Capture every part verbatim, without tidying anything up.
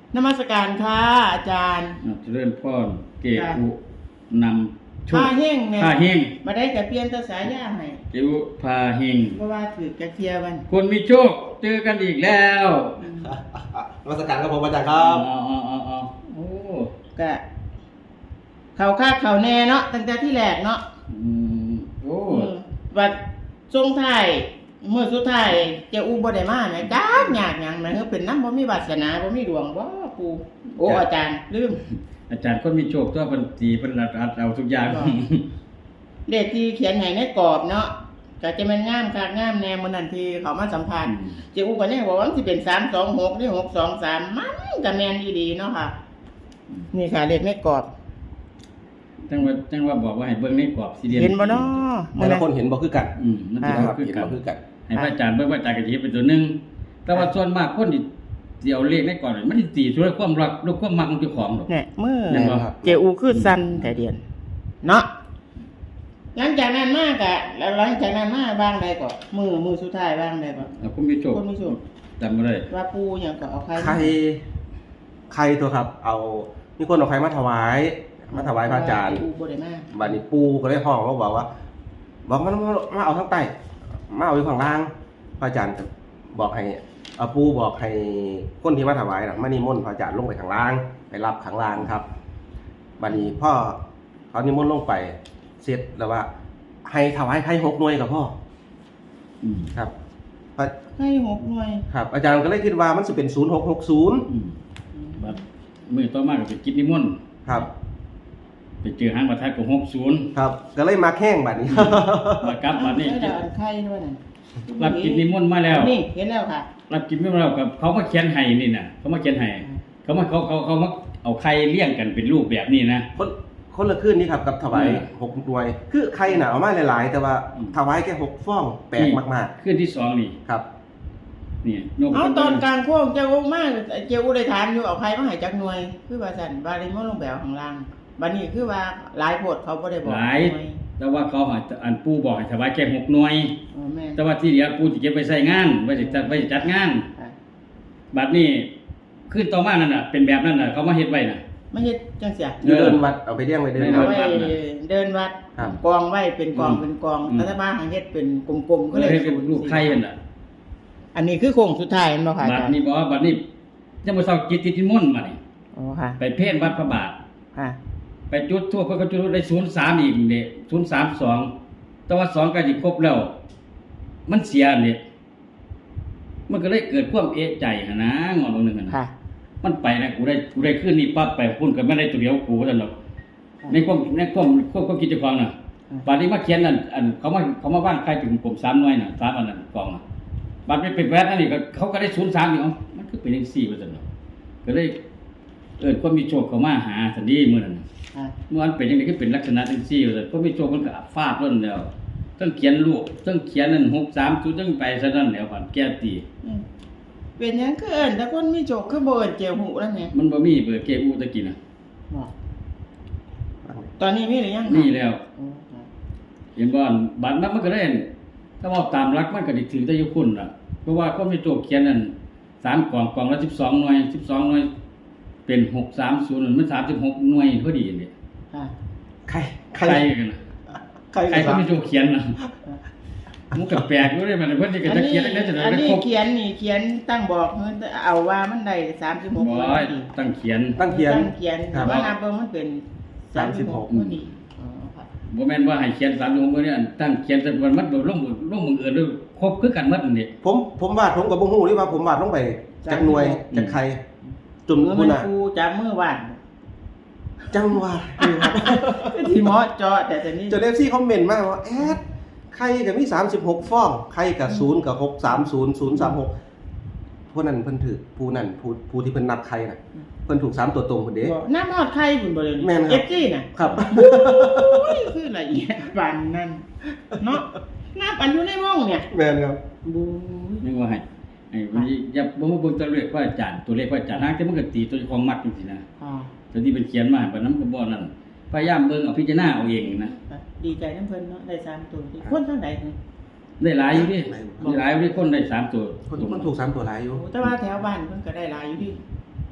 นมัสการค่ะอาจารย์เจริญพรเกอุนำโชคพาเฮงเนี่ยพาเฮงมาได้กับเปลี่ยนตาสายาให้เกอุพาเฮงเพราะว่าถือกระเทียวันคนมีโชคเจอกันอีกแล้วนมัสการครับผมอาจารย์ครับอ๋ออ๋ออ๋อโอ้กะเขาคาดเขาแน่เนาะตั้งแต่ที่แรกเนาะอืมโอ้วัดทรงไทายเมื่อสุดท้ายเจ้าอูบ่ได้มาแม่จ้ายากหยังแม่เฮาเป็นนำบ่มีวาสนาบ่มีดวงบ่ปู่โอ้อาจารย์ลืมอาจารย์คนมีโชคตัวเพิ่นตีเพิ่นรัดเอาทุกอย่างเลขที่เขียนให้ในกรอบเนาะก็จะแม่นงามคักงามแน่มื้อนั้นที่เขามาสัมภาษณ์เจ้าอูก็ยังบอกว่ามันสิเป็นสามสองหกหรือหกสองสามมันก็แม่นอีหลีเนาะค่ะนี่ค่ะเลขในกรอบจังว่าจังว่าบอกว่าให้เบิ่งในกรอบสี่เหลี่ยมเห็นบ่เนาะแต่ละคนเห็นบ่คือกันอืมมันสิบ่คือกันคือกันให้พระอาจารย์เบิ่งว่าอาจารย์ก็สิเฮ็ดเป็นตัวนึงแต่ว่าส่วนมากคนที่สิเอาเลขในกรอบมันสิตีด้วยความรักด้วยความมักของเจ้าของดอกเนี่ยมื้อเจอูคือสั่นแต่เดียนเนาะหลังจากนั้นมากะแล้วหลังจากนั้นมาบ้างใดก็มือมือสุดท้ายบ้างใดก็คุณมีโชคคุณมีโชคจำบ่ได้ว่าปู่หยังก็เอาใครใครใครตัวครับเอามีคนเอาใครมาถวายมาถวายพระอาจารย์ปู่บ่ได้มาบัดนี้ปู่ก็เลยห้องเขาบอกว่าบอกมันมาเอาทั้งใต้มาเอาอยู่ข้างล่างพระอาจารย์บอกให้เอาปู่บอกให้คนที่มาถวายน่ะมานิมนต์พระอาจารย์ลงไปข้างล่างไปรับข้างล่างครับบัดนี้พ่อเขานิมนต์ลงไปเสร็จแล้วว่าให้ถวายใครหกหน่วยกับพ่ออืมครับให้หกหน่วยครับอาจารย์ก็เลยคิดว่ามันสิเป็นศูนย์หกหกศูนย์อืมบัดมื้อต่อมาก็ไปกิจนิมนต์ครับไปเจอหางประทัดของหกสิบครับก็เลยมาแข้งบัดนี้มากลับบัดนี้ได้อันไข่ด้วยนั่นรับกิจนิมนต์มาแล้วนี่เห็นแล้วค่ะรับกิจนิมนต์มาแล้วกับเขามาเขียนให้นี่น่ะเขามาเขียนให้เขามาเขาเขาเขามาเอาไข่เลี้ยงกันเป็นรูปแบบนี้นะคนคนละคืนนี้ครับกับถวายหกหน่วยคือไข่น่ะเอามาหลายๆแต่ว่าถวายแค่หกฟองแปลกมากๆคืนที่สองนี่ครับนี่เอาตอนกลางโค้งเจ้าอูมาเจ้าอูได้ถามอยู่เอาใครมาให้จักหน่วยคือว่าซั่นบาริมลงแบวข้างล่างบัดนี้คือว่าหลายโพดเขาบ่ได้บอกหลายแต่ว่าเขาอันปู่บอกให้ถวายแค่หกหน่วยอ๋อแม่แต่ว่าที่เหลือปู่สิเก็บไว้ใช้งานไว้สิจัดไว้จัดงานบัดนี้คืนต่อมานั่นน่ะเป็นแบบนั้นน่ะเขามาเฮ็ดไว้น่ะมาเฮ็ดจังซี่เดินวัดเอาไปเลี้ยงไว้เดินวัดเดินวัดกองไว้เป็นกองเป็นกองรัฐบาลเฮ็ดเป็นกลมๆก็เลยเป็นรูปไข่นั่นน่ะอันนี้คือโค้งสุดท้ายแม่นบ่ค่ะบัดนี้บ่บัดนี้จะมาเซากิจนิมนต์มานี่อ๋อค่ะไปเพ่นวัดพระบาทค่ะไปจุดทั่วเพิ่นก็จุดได้ศูนย์สามอีกนี่ศูนย์สามสองแต่ว่าสองก็สิครบแล้วมันเสียนี่มันก็เลยเกิดความเอะใจหั่นนะงอนบ่นึงหั่นค่ะมันไปนะกูได้กูได้ขึ้นนี่ปั๊บไปพุ่นก็ไม่ได้ตัวเดียวกูซั่นดอกในความในความความความคิดเจ้าของน่ะบัดนี้มาเขียนนั่นอันเขามาเขามาบ้านใครถึงผมสามหน่วยน่ะสามอันนั้นกองน่ะบัดนี้เป็นแวดนั่นนี่ก็เขาก็ได้ศูนย์สามอีกเอ้ามันคือเป็นจังซี่ว่าซั่นดอกก็เลยเอิ้นความมีโชคเข้ามาหาซั่นดีมื้อนั้นเมื่อมันเป็นจังได๋คือเป็นลักษณะจังซี่ว่าซั่นความมีโชคมันก็ฟาดล้นแล้วทั้งเขียนรูปทั้งเขียนนั่นหกสามศูนย์ทั้งไปซะนั่นแล้วบัดแก้ตีเป็นหยังคือเอิ้นแต่คนมีโชคคือบ่เอิ้นเจียวหูนั่นแหละมันบ่มีเบอร์เกอูตะกี้น่ะบ่ตอนนี้มีหรือยังมีแล้วเห็นบ่บัดนั้นมันก็ได้ถ้าว่าตามหลักมันก็สิถือได้อยู่คุณล่ะเพราะว่าคนมีโชคเขียนนั่นสามกล่องกล่องละสิบสองหน่วยสิบสองหน่วยเป็นหกสามศูนย์มันสามสิบหกหน่วยพอดีนี่ค่ะใครใครกันน่ะใครคนมีโชคเขียนน่ะมันก็แปลกอยู่เด้มันเพิ่นสิก็จะเขียนได้จังได๋อันนี้เขียนนี่เขียนตั้งบอกเพิ่นเอาว่ามันได้สามสิบหกบ่ตั้งเขียนตั้งเขียนตั้งเขียนว่านับเบิ่งมันเป็นสามสิบหกพอดีอ๋อค่ะบ่แม่นว่าให้เขียนสามสิบหกมื้อนี้ตั้งเขียนแต่มันมันลงลงมืออื่นด้วยครบคือกันหมดนี่ผมผมวาดผมก็บ่ฮู้นี่ว่าผมวาดลงไปจักหน่วยจักใครจนพุ่นน่ะกูจับมือวาดจังว่าที่หมอเจาะแต่แต่นี้จน เอฟ ซี คอมเมนต์มาว่าแอดใครก็มีสามสิบหกฟองใครก็ศูนย์กับหกสามศูนย์ ศูนย์สามหกพวกนั้นเพิ่นถือผู้นั้นผู้ผู้ที่เพิ่นนับใครน่ะเพิ่นถูกสามตัวตรงพุ่นเด้น้ำฮอดใครพุ่นบ่เลยเอฟซี น่ะครับโอ้ยคือละเอียดปานนั้นเนาะนับอันอยู่ในห้องเนี่ยแม่นครับบูนึกว่าให้ไอ้วันนี้อย่าบ่มาเบิ่งตัวเลขว่าอาจารย์ตัวเลขว่าอาจารย์หางแต่มันก็ตีตัวของมักจังซี่นะอ๋อแต่ที่เป็นเขียนมาบัดนั้นก็บ่นั่นพยายามเบิ่งเอาพิจารณาเอาเองนะดีใจนำเพิ่นเนาะได้สามตัวคนทางใดได้หลายอยู่ดิได้หลายอยู่ดิคนได้สามตัวคนคนถูกสามตัวหลายอยู่แต่ว่าแถวบ้านเพิ่นก็ได้หลายอยู่ดิ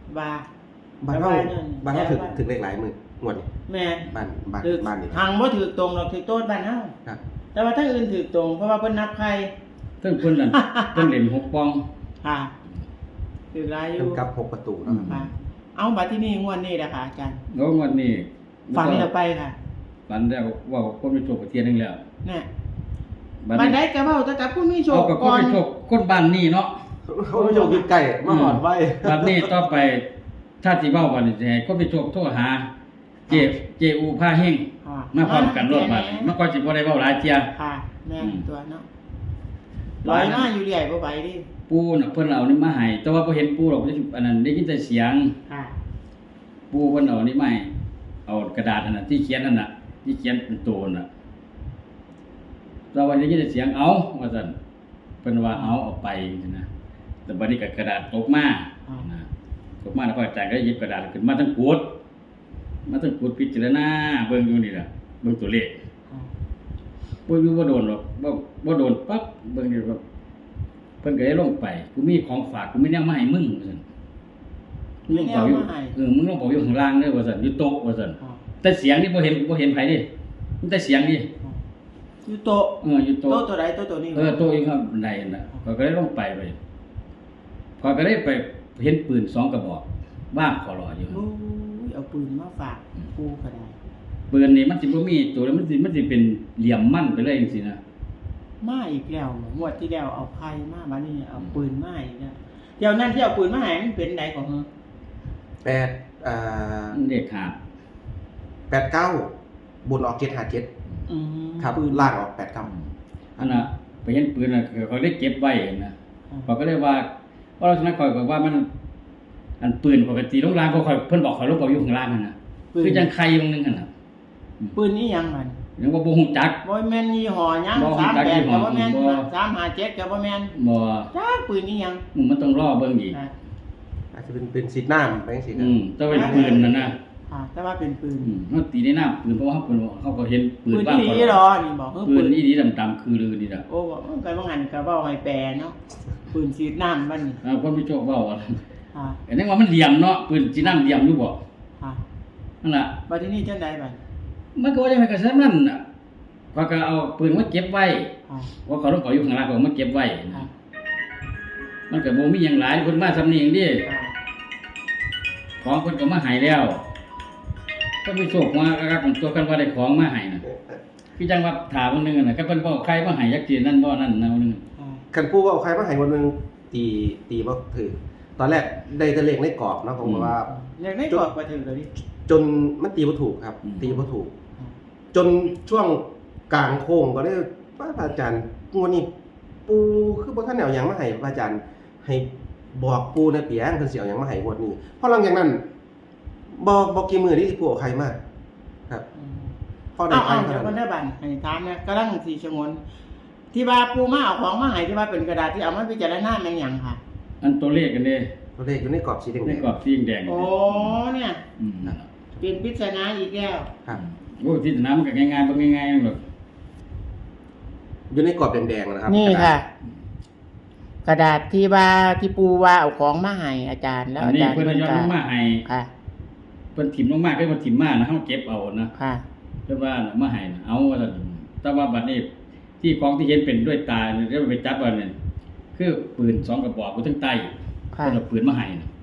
ว่าบ้านเฮาแต่ว่าเนี่ยบ้านเฮาถึงแต่ว่าถึงเลขหลายมื้องวดนี้แม่บ้านบ้านถือบ้านนี่ทางบ่ถือตรงหรอกถือโต๊ดบ้านเฮาครับแต่ว่าถ้าอื่นถือตรงเพราะว่าเพิ่นนับใครเพิ่นเพิ่นนั่น เพิ่นเล่นหกปองค่ะถือหลายอเพิ่ยู่นกลับหกประตูเนาะค่ะเอาบัดที่นี่งวดนี้แหละค่ะอาจารย์แล้วงวดนี้ฝันแล้วไปค่ะฝันแล้วว่าคนไปโชคประเทียนนึงแล้วเนี่ยบัดบัดนี้ได้ก็เว้าแต่กับผู้มีโชเอาคกับคนก่อไปนโชคคนบ้านนี้เนาะเขาไม่โยกอยู่ใกล้มาหอดไว้บัดนี้ต่อไปถ้าสิเว้าบัดนี้สิให้คนไปโชคโทรหา เจเจอูพาเฮงค่ะมาพร้อมกันรถบัดนี้มันก็สิบ่ได้เว้าหลายเที่ยค่ะแม่นอืมตัวเนาะลอยมาอยู่เรื่อยบ่ไหวดิปู่น่ะเพิ่นเอานี่มาให้แต่ว่าบ่เห็นปู่หรอกอันนั้นได้ยินแต่เสียงค่ะปู่เพิ่นเอานี่มาให้เอากระดาษนั่นน่ะที่เขียนนั่นน่ะที่เขียนเป็นตัวน่ะแต่ว่าได้ยินแต่เสียงเอาว่าซั่นเพิ่นว่าเอาเอาไปจังซี่นะแต่บัดนี้ก็กระดาษตกมานะตกมาแล้วพระอาจารย์ก็หยิบกระดาษขึ้นมาทั้งกดมาทั้งกดพิจารณาเบิ่งอยู่นี่ล่ะเบิ่งตัวเลขค่ะบ่อยู่บ่โดนหรอกบ่บ่โดนปั๊บเบิ่งนี่แบบเพิ่นก็ได้ลงไปกูมีของฝากกูมีแนวมาให้มึงว่าซั่นมึงลงเป่าอยู่เออมึงลงเป่าอยู่ข้างล่างเด้อว่าซั่นอยู่โต๊ะว่าซั่นค่ะแต่เสียงนี่บ่เห็นบ่เห็นไผดิมันแต่เสียงดิอยู่โต๊ะเอออยู่โต๊ะโต๊ะตัวใดโต๊ะตัวนี้เออโต๊ะอยู่ข้างบันไดนั่นน่ะข้อยก็ได้ลงไปไปข้อยก็ได้ไปเห็นปืนสองกระบอกว่างขอรออยู่โอ้ยเอาปืนมาฝากกูก็ได้ปืนนี่มันสิบ่มีตัวแล้วมันสิมันสิเป็นเหลี่ยมมั่นไปเลยจังซี่นะมาอีกแล้วงวดที่แล้วเอาไพ่มาบัดนี้เอาปืนมาอีกแล้วเดี๋ยวนั้นที่เอาปืนมาให้มันเป็นไหนของมึงแปดอ่ามันเด็กขาดแปดเก้าบนออกเจ็ดห้าเจ็ดอืมครับปืนล่างออกแปดเก้าอันน่ะไปเห็นปืนน่ะเขาได้เก็บไว้นะเขาก็เลยว่าเพราะลักษณะข่อยก็ว่ามัน อันปืนปกติลงล่างก็ข่อยเพิ่นบอกข่อยลงเป่าอยู่ข้างล่างนั่นน่ะคือจังไข่วงนึงหั่นน่ะปืนนี่ยังมันยังว่าบ่ฮู้จักบ่แม่นยี่ห้อหยังบ่สามจักแปยี่ดห้อก็บ่แม่นบ่สามห้าเจ็ดก็บ่แม่นบ่จ้าปืนนี่ยังอืมมันต้องรอเบิ่งอีกค่ะอาจจะเป็นเป็นสีน้ำไปสีอืมแต่ว่าเป็นปืนนั่นน่ะค่ะแต่ว่าเป็นปืนอืมเฮาตีในน้ำปืนเพราะว่าเฮาเพิ่นเขาก็เห็นปืปืนนบ้างที่ก่อนนี่หรอนี่บอกเออปืปืนนนี่ดีดำๆคือลือนี่ล่ะโอ้บอกเออก็บ่งั้นก็เว้าให้แปลเนาะปืนฉีดน้ำมันนี่อ่าคนไปโชคเว้าว่าค่ะอันนี้ว่ามันเหลี่ยมเนาะปืนสิน้ำเหลี่ยมอยู่บ่ค่ะนั่นล่ะบัดทีนี้จังไดบัดมันก็ว่าจังไดก็ซั่นนั่นน่ะเขาก็เอาปืนมาเก็บไว้ค่ะว่าเขาต้องปล่อยอยู่ข้างล่างก็เอามาเก็บไว้ค่ะมันก็บ่มีหยังหลายเพิ่นมาสำนี้เองเดิค่ะของเพิ่นก็มาให้แล้วเพิ่นไปโชคมาครับผมตัวกันว่าได้ของมาให้น่ะคือจังว่าถามมื้อนึงน่ะก็เพิ่นบอกใครมาให้จักทีนั่นบ่นั่นนะมื้อนึงค่ะคันปูว่าเอาใครมาให้วันหนึงตีตีบ่ถือตอนแรกได้แต่เลขในกรอบเนาะผมว่าอยากได้กอดบ่ถึงตัวนี้จนมันตีบ่ถูกครับ ตีบ่ถูก จนช่วงกลางโค้งก็ได้ว่าพระอาจารย์งวดนี้ปูคือบ่ทันเอาหยังมาให้พระอาจารย์ให้บอกปูในเปียงเพิ่นสิเอาหยังมาให้งวดนี้เพราะหลังจากนั้นบ่บ่กี่มื้อที่ปูเอาใครมาครับอืมพอได้เอาใครเอาเท่าเดี๋ยวนั้นก็ได้บันให้ถามเนี่ยกำลังสีชงนที่ว่าปูมาเอาของมาให้ที่ว่าเป็นกระดาษที่เอามาพิจารณาแม่นหยังค่ะอันตัวเลขกันเด้ตัวเลขอยู่ในกรอบสีแดงในกรอบสีแดงๆโอ้เนี่ยอืมนั่นล่ะเป็นปริศนาอีกแล้วครับโอ้ที่สนามมันก็ง่ายๆบ่ง่ายๆหรอกอยู่ในกรอบแดงๆนะครับนี่ค่ะ กระดาษที่ว่าที่ปูว่าเอาของมาให้อาจารย์แล้วอันอานี้จารย์เพิ่นเพิ่นยอมก็ลงมาให้ค่ะเพิ่นถิ่มลงมาก็บ่ถิ่มมานะเฮาเก็บเอานะค่ะเพิ่นว่าน่ะมาให้น่ะเอาว่าซั่นแต่ว่าบัดนี้ที่ของที่เห็นเป็นด้วยตาเนี่ยเดี๋ยวไปจับว่าเนี่ยคือปืนสองกระบอกอยู่ทั้งใต้ค่ะเพิ่นเอาปืนมาให้น่ะ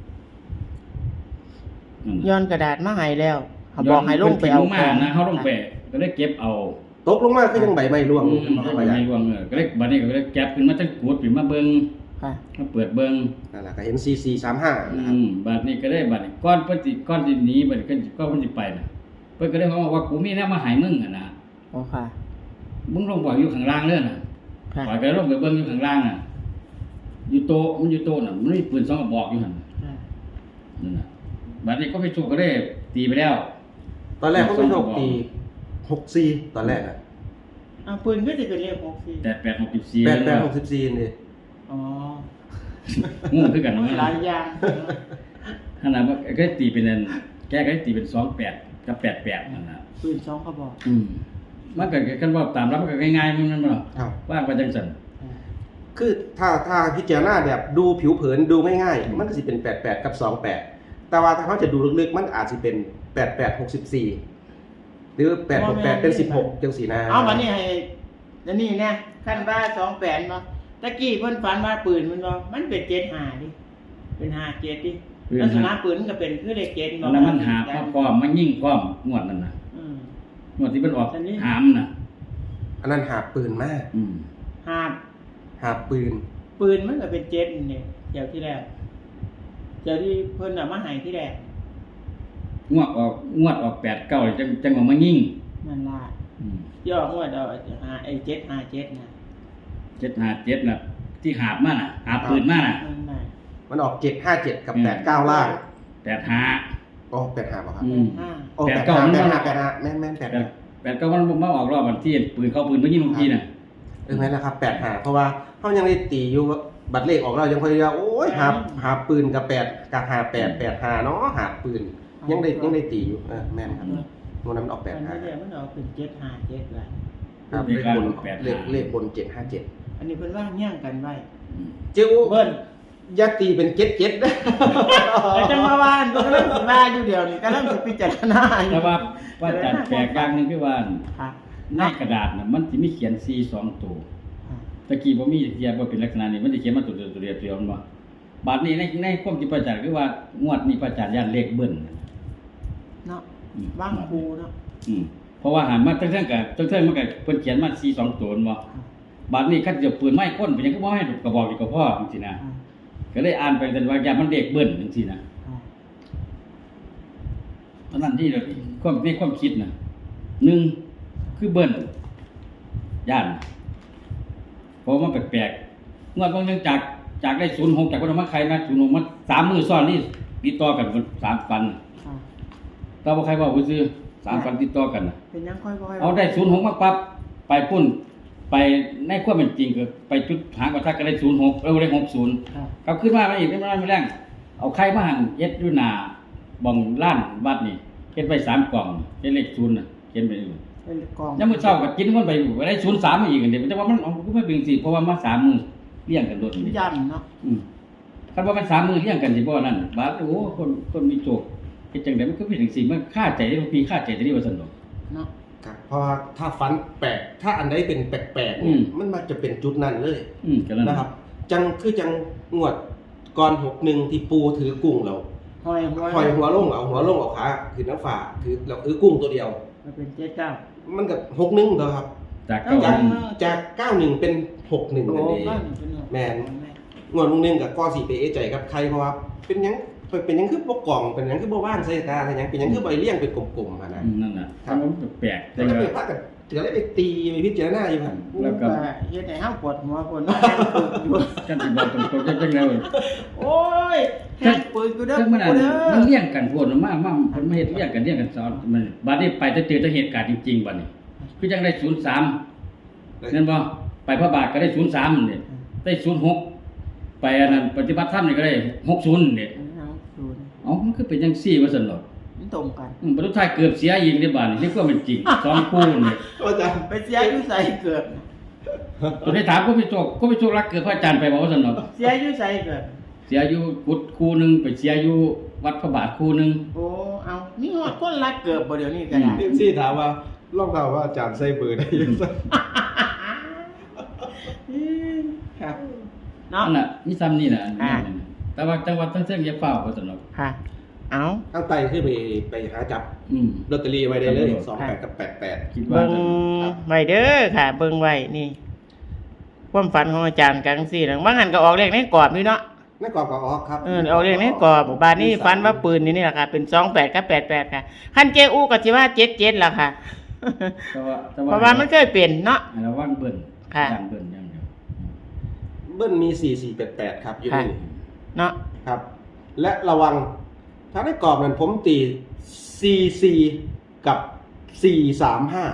นั่นน่ะย้อนกระดาษมาให้แล้วเขาบอกให้ลงไปเอาพิ่นถิ่มลงมานะเฮาลงไปก็ได้เก็บเอาตกลงมาก็ยังใบไม้ร่วงอือยู่มครับไม่อาจารย์ร่วงเออก็ได้บัดนี้ก็ได้แก็บขึ้นมาทั้งกูดขึ้นมาเบิ่งค่ะมาเปิดเบิ่งนั่นแหละก็เห็น ซี ซี สามห้าอืนะครับมบัดนี้ก็ได้บัดนี้ก้อนเพิ่นสิก้อนสิหนีบัดนี้ก็ก็เพิ่นสิไปน่ะเพิ่นก็ได้บอกว่ากูมีแนวมาให้มึงอ่ะนะโอ้ค่ะมึงลงบ่อยู่ข้างล่างเด้อน่ะค่ะปล่อยไปลงไปเบิ่งอยู่ข้างล่างน่ะอยู่โต๊ะมันอยู่โต๊ะน่ะมันมีปืนสองกระบอกอยู่หั่นค่ะนั่นน่ะบัดนี้ก็ไปโชคก็ได้ตีไปแล้วตอนแรกเขาไม่โชคตีหกซีตอนแรกอะเอาปืนก็จะเป็นเลขหกสี่แปดแปดหกสิบสี่แปดแปดหกสิบซีนี่อ๋องูคือกันหนะลายอย่างขนาดว่าก็ตีเป็นอันแกก็ตีเป็นสองแปดกับแปดแปดนั่นน่ะปืนสองกระบอกอืมมันก็กันว่าตามรับมันก็ง่ายๆมันนั่นบ่ครับว่างไปจังซั่นคือถ้าถ้าพิจารณาแบบดูผิวเผินดูง่ายๆ มันก็สิเป็นแปดแปดกับสองแปดแต่ว่าถ้าเขาจะดูลึกๆมันอาจจะเป็นแปดแปดหกสิบสี่หรือแปดหกแปดเป็นสิบหกจังสีนาเอามานี่ให้แล้วนี่เนี่ยขั้นว่าสองแปดเนาะตะกี้เพิ่นฝันว่าปืนมันเนาะมันเป็นเจ็ดห้าดิเป็นห้าเจ็ดดิลักษณะปืนมันก็เป็นคือเลขเจ็ดอันนั้นมันหาพร้อมพร้อมมันยิ่งพร้อมงวดนั่นน่ะอืมงวดที่มันออกหามน่ะอันนั้นหาปืนมากอืมหาบหาปืนปืนมันก็เป็นเจ็ดนี่เดี๋ยวที่แรกเดี๋ยวที่เพิ่นเอามาให้ที่แรกงวดออกงวดออกแปดเก้าจังจังว่ามันยิ่งนั่นล่ะอืมย่องวดเอาหาไอ้เจ็ดห้าเจ็ดนะเจ็ดห้าเจ็ดน่ะที่หาบมาน่ะหาบปืนมาน่ะนั่นน่ะมันออกเจ็ดห้าเจ็ดกับแปดเก้าล่างแปดห้าโอ้แปดห้าป่ะครับอืมห้าโอ้แปแปดดเก้าห้ามันแปดมาห้าแปดห้าแม่นแม่นแปดแปห้าดแปดเก้ามันมาออกรอบวันที่ปืนเข้าปืนมันยิ่งเมื่อกี้น่ะเออแม่นแล้วครับแปดห้าเพราะว่าเขายังได้ตีอยู่ว่าบัตรเลขออกเรายังพยายามโอ้ยหาหาปืนกับแปดกับหาแปดแปดห้าเนาะหาปืนยังได้ยังได้ตีอยู่เออแม่นครับวันนั้นมันออกแปดมันห้าไม่ได้มันออกเป็นเจ็ดห้าเจ็ดเลยครับเลขบนเลขเลขบนเจ็ดห้าเจ็ดอันนี้เพิ่นว่าย่างกันไว้อืมเจ้าเบิ้ลยัดตีเป็นเจ็ดเจ็ดนะแต่จังมาว่านก็กำลังสิว่าอยู่เดียวนี่กำลังสิพิจารณาอยู่แต่ว่าว่าจัดแปลกอย่างหนึงคือว่าค่ะในกระดาษน่ะมันสิมีเขียนสี่สองตัวค่ะตะกี้บ่มีเทียบบ่เป็นลักษณะนี้มันสิเขียนมาตัวเดียวตัวเดียวตัวเดียวมันบ่บาดนี้ในในความคิดพระอาจารย์คือว่างวดนี้พระอาจารย์ย่านเลขเบิ้ลเนาะอืมว่างครูเนาะอืมเพราะว่าหันมาทั้งเทิงกับทั้งเทิงมันก็เพิ่นเขียนมาสี่สองตัวนั่นบ่ค่ะบาดนี้คันจะปืนไม้คนเป็นหยังก็บ่ให้กระบอกอีกก็พอจังซี่นะค่ะก็เลยอ่านไปแต่ว่าอย่ามันเลขเบิ้ลจังซี่นะค่ะเท่านั้นที่เราความในความคิดน่ะหนึ่งคือเบิ้ลย่านเพราะมันแปลกๆงวดบางเรื่องจากจากได้ศูนย์หกจากคนมาใครนะศูนย์หกมันสามมือซ้อนนี่ติดต่อกันสามปันค่ะแต่ว่าใครว่าผู้ซื้อสามปันติดต่อกันน่ะเป็นยังค่อยๆเอาได้ศูนย์หกมาปั๊บไปพุ่นไปในความเป็นจริงก็ไปจุดหางประทัดก็ได้ศูนย์หกเออได้หกศูนย์ค่ะกลับขึ้นมาไม่อีกไม่ได้ไม่แรงเอาไข่มาหั่นเย็ดอยู่หน้าบ่องล้านวัดนี่เฮ็ดไปสามกล่องเฮ็ดเลขศูนย์น่ะเขียนไปอยู่เป็นกองยามมื้อเช้าก็กินมันไปได้ศูนย์สามมาอีกอันเดียวแต่ว่ามันเอาก็ไม่เป็นสิเพราะว่ามาสามมื้อเลี้ยงกันโดดนี่ย่ำเนาะอืมคันว่ามันสามมื้อเลี้ยงกันสิบ่นั่นบาดโอ้คนคนมีโชคเฮ็ดจังได๋มันก็เป็นจังซี่มันค่าใจได้ทุกปีค่าใจได้ว่าซั่นดอกเนาะครับเพราะว่าถ้าฟันแปลกถ้าอันใดเป็นแปลกๆอืเนี่ยมมันมักจะเป็นจุดนั้นเลยอืมก็นั่นนะครับ จังคือจังงวดก่อนหกหนึ่งที่ปูถือกุ้งเราหอยหัวหอยหัวลงเอาหัวลงเอาขาถือน้ำฝาถือเราถือกุ้งตัวเดียวมันเป็นเจ็ดเก้ามันกับหกหนึ่งตัวครับจากเอาเก้าจากหนึ่งจากเก้าหนึ่งเป็นหกหนึ่งโอ้นั่นเองก็หนึ่งเป็นหกแม่น งวดลุงหนึ่งกับก้อสี่เปเอใจกับใครเพราะว่าเป็นหยังเป็นหยังคือบ่กล่องเป็นหยังคือบ่ว่างใส่ตาเป็นหยังเป็นหยังคือใบเลี้ยงเป็นกลมๆอะนะอืมนั่นน่ะครับมันแปลกๆแล้แต่วก็ก็ไปพักกันเถืออะไรไปตีไปพิจารณาอยู่ครับแล้วก็เฮ็ดให้เฮาปวดหัวปวดหัวแห้งปึกอยู่กันสิบอกตรงๆจังๆแล้วโอ้ยแห้งปึกอยู่เด้อซึ่งมันอักูนเด้อมันเลี้ยงกันพวกมามามันมาเฮ็ดเลี้ยงกันเลี้ยงกันสอนมันบัดนี้ไปจะเจอแต่เหตุการณ์จริงๆบัดนี้ คือจังได้ศูนย์สามนั่นบ่ไปพระบาทก็ได้ศูนย์สามนี่ได้ศูนย์หกไปอันนั้นปฏิบัติธรรมนี่ก็ได้หกศูนย์นี่เอาศูนย์เอ้ามันคือเป็นจังซี่ว่าซั่นดอกมันตรงกันอืมบรรทุท้ายเกือบเสียอีกในบ้านนี่นี่ก็เป็นจริงสองคู่นี่อาจารย์ไปเสียอยู่ใส่เกิดตัวได้ถามก็ไปโชคก็ไปโชครักเกิดพระอาจารย์ไปบอกว่าซั่นดอกเสียอยู่ใส่เกิดเสียอยู่กุดคู่หนึงไปเสียอยู่วัดพระบาทคู่หนึงโอ้เอานี่ฮอดคนรักเกิดบ่เดี๋ยวนี้ก็ได้เอ็มซีถามว่าลองถามว่าอาจารย์ใส่เบอร์ได้ยังไงครับเนาะนั่นน่ะมีซ้ำนี่น่ะอันนี้อ่าน่ะแต่ว่าจังหวัดทั้งเส้นอย่าเฝ้าว่าซั่นดอกค่ะ เอาตั้งไตขึ้นไปไปหาจับอืมลอตเตอรี่ไว้ได้เลยครับสองแปดกับแปดแปดคิดว่าเบิ่งจะไว้เด้อค่ะ เบิ่งไว้นี่ความฝันของอาจารย์กันสี่นังบางหันก็ออกเลขในกรอบนี่เนาะนั่นกรอบกับออกครับเออออกเลขในกรอบบาดนี้ฝันว่าปืนนี่นี่แหละค่ะ เป็นสองแปดกับแปดแปดค่ะคันเจอูก็สิว่าเจ็ดเจ็ดล่ะค่ะแต่ว่าแต่เพราะว่ามันเคยเป็นเนาะให้ระวังเบิ่นค่ะย่านเบิ่นอย่างเดียวเบิ้ลมีสี่สี่แปดแปดครับอยู่ค่ะนี่เนาะครับ และระวัง ถ้าได้กรอบนั้นผมตีสี่สี่กับสี่สามห้า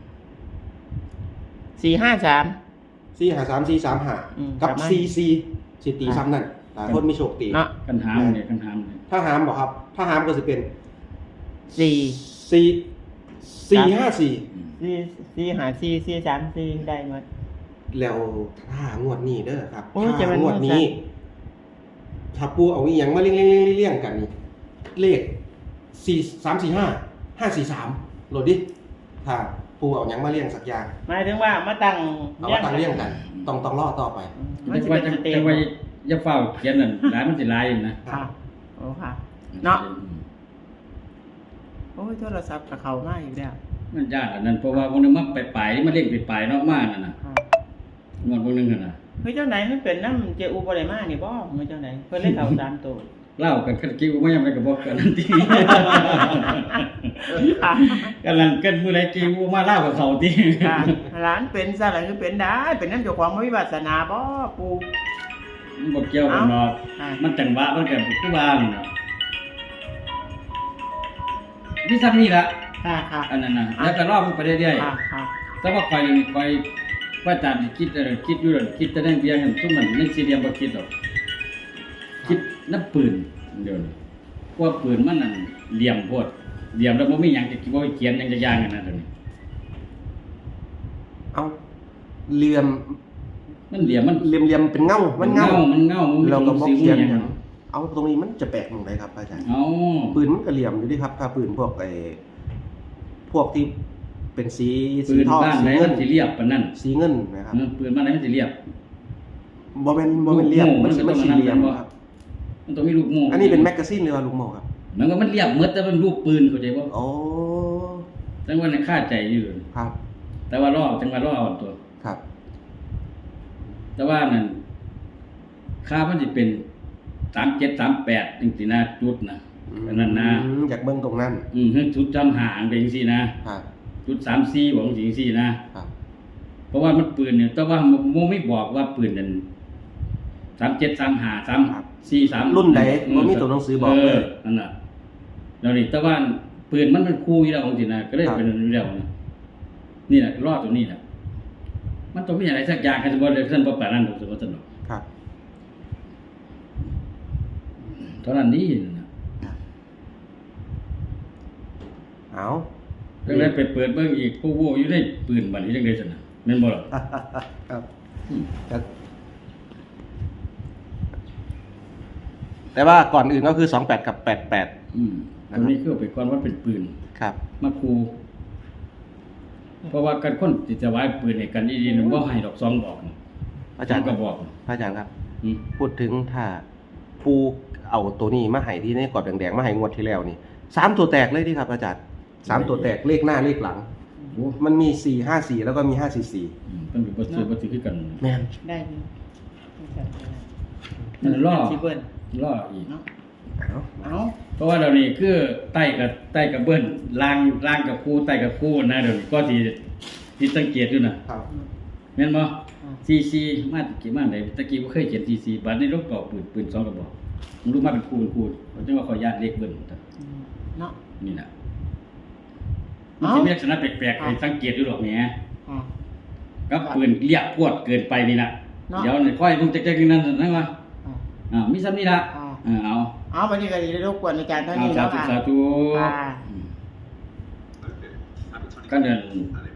สี่ห้าสามสี่หาสามสี่สามห้าอืมกับประมาณสี่สี่สิตีซ้ำนั่นหลายคนมีโชคตีเนาะกันหามเนี่ยกันหามเนี่ยถ้าหามบอกครับ ถ้าหามก็จะเป็นสี่สี่สี่ห้าสี่สี่สี่หาสี่สี่สามสี่ได้หมดแล้วถ้างวดนี้เด้อครับโอ้ยจะถ้าเป็นงวดนี้ ถ้าปูเอาอีหยังมาเลี้ยงเลี้ยงเลี้ยงเลี้ยงกันนี่เลขสี่สามสี่ห้าห้าสี่สามโหลดดิถ้าปูเอาหยังมาเรียงสักอย่างหมายถึงว่ามาตั้งเอามาตั้งเรียงกัน ต้องต้องรอต่อไปมันจัสิงว่าเป็นจังสเต็ปจังว่าอย่าเฝ้าเขียนนั่นหลายมันสิหลายอยู่นะค่ะโอ้ค่ะ เนาะ โอ้ยโทรศัพท์กับเขามาอีกแล้วมันยากอันนั้นเพราะว่าพวกนึงมันไปไปมันเล่งไปไปนอกมานั่นน่ะค่ะงอนพวกนึงนั่นน่ะเฮ้ยเจ้าไหนมันเป็นน้ำเจอูบริมานี่บ่เฮ้ยเจ้าไหนเพิ่นเล่นเขาสามตัวเล่ากันกันกิ้วไม่ยังไม่ก็บอกกันนั่นทีค่ะกันนั่นกันมื้อใดกิ้วมาเล่ากับเขาติค่ะร้านเป็นซะแล้วคือเป็นได้เป็นน้ำเจ้าของบ่มีวาสนาบ่ปูมันบ่เกี่ยวกันเนาะค่ะมันจังหวะมันก็คือว่านั่นน่ะมีซ้ํนี่ล่ะค่ะค่ะอันนั้นน่ะแล้วก็รอมันไปเรื่อยค่ะค่ะๆแต่ว่าข่อยนี่ข่อยว่าตามที่คิดเออคิดอยู่นั่นคิดแต่นั่นเพียงกันซุมมันในสี่เหลี่ยมบ่คิดดอกคิดน้ำปืนเดี๋ยวนี้เพราะว่าปืนมันนั่นเหลี่ยมโพดเหลี่ยมแล้วบ่มีหยังจะบ่เขียนหยังจะย่างกันนั่นเดี๋ยวนี้เอาเหลี่ยมมันเหลี่ยมมันเหลี่ยมเหลี่ยมเป็นเงา มันเงามันเงามันเราก็บบ่อกสิวเขียนหอยัย่าง งเอาตรงนี้มันจะแปลกตรงไหนครับอาจารย์เอาปืนมันก็เหลี่ยมอยู่ดิครับ ถ้าปืนพวกไอ้พวกที่เป็นสีปืสีนทองบ้านสีไหนเงิมัน นสิเรียบปานนั้นสีเงินนะครับเออปืนบ้านไหนมันสิเรียบบ่เป็นบ่เป็นเหลี่ยมลูกโม่มันสิมัมัน นก็สีต้องเหลี่ยมนั่นครับมันต้องมีลูกโม่อันนี้เป็นแมกกาซีนหรือว่าลูกโม่ครับมันก็มันเรียบหมดแต่มันลูกปืนเข้าใจบ่โอ้จังว่าในค่าใจอยู่ครับแต่ว่ารอจังว่ารอเอาตัวครับแต่ว่านั่นค่ามันสิเป็นสามเจ็ด สามแปดจังซี่นะจุดนะอันนั้นนะอืมอยากเบิ่งตรงนั้นอืมจุดจำหางเป็นจังซี่นะครับ จุดสามสี่บอกจังซี่นะครับ เพราะว่ามันปืนเนี่ยแต่ว่าโมไม่บอกว่าปืนนั่นสามเจ็ด สามห้า สามสี่ สามรุ่นใดบ่มีตัวหนังสือบอกเลยนั่นน่ะแล้วนี่แต่ว่าปืนมันเป็นคู่อยู่แล้วของสินะก็เลยเป็นอยู่แล้วนะนี่แหละรอดตรงนี้แหละมันต้องมีอะไรสักอย่างกันบ่ได้ท่านบ่ปานนั้นดอกสมมุติเนาะครับเท่านั้นนี่นะเอาจังได๋ไปเปิดเบิ่งอีกผู้โว้อยู่ในปืนบัดนี้จังได๋ซั่นน่ะแม่นบ่ล่ะครับครับแต่ว่าก่อนอื่นก็คือสองแปดกับแปดแปดอืมตรงนี้คือเอาไปก่อนว่าเป็นปืนครับมาคูเพราะว่าการคนที่จะไว้ปืนให้กันดีๆนั้นบ่ให้ดอกซองบอกอาจารย์ก็บอกพระอาจารย์ครับอืมพูดถึงถ้าปูเอาตัวนี้มาให้ที่ในกรอบแดงๆมาให้งวดที่แล้วนี่สามตัวแตกเลยที่ครับ อาจารย์สามตัวแตกเลขหน้าเลขหลังโอ้มันมีสี่ห้าสี่แล้วก็มีห้าสี่สี่อืมต้องบ่ซื้อบ่ซื้อคือกันแม่นได้อยู่นั่นล่อสิเบิ้ลล่ออีกเนาะเอาเอาเพราะว่าเดี๋ยวนี้คือใต้กับใต้กับเบิ้นล่างล่างกับคู่ใต้กับคู่นะเดี๋ยวนี้ก็ที่ที่สังเกตอยู่นะครับ แม่นบ่ ซี ซี มาตะกี้มาไหนตะกี้บ่เคยเขียน ซี ซี บัดนี้ลบเป่าปืนปืนสองกระบอกมันรู้มาเป็นคู่เป็นคู่เขาจังว่าขออนุญาตเลขเบิ้นเนาะนี่น่ะมันสิมีลักษณะแปลกๆให้สังเกตอยู่ดอกแหมอ่ากับปืนเรียบพวดเกินไปนี่น่ะเนาะเดี๋ยวนี่ค่อยเพิ่งจักๆนั่นนั่นว่าอ่าอ่ามีซ้ำนี่ล่ะอ่าเออเอาเอาวันนี้ก็ได้รบกวนอาจารย์เท่าเอานี้สาแล้วธุค่ะสาธุค่ะอืมก็เดิน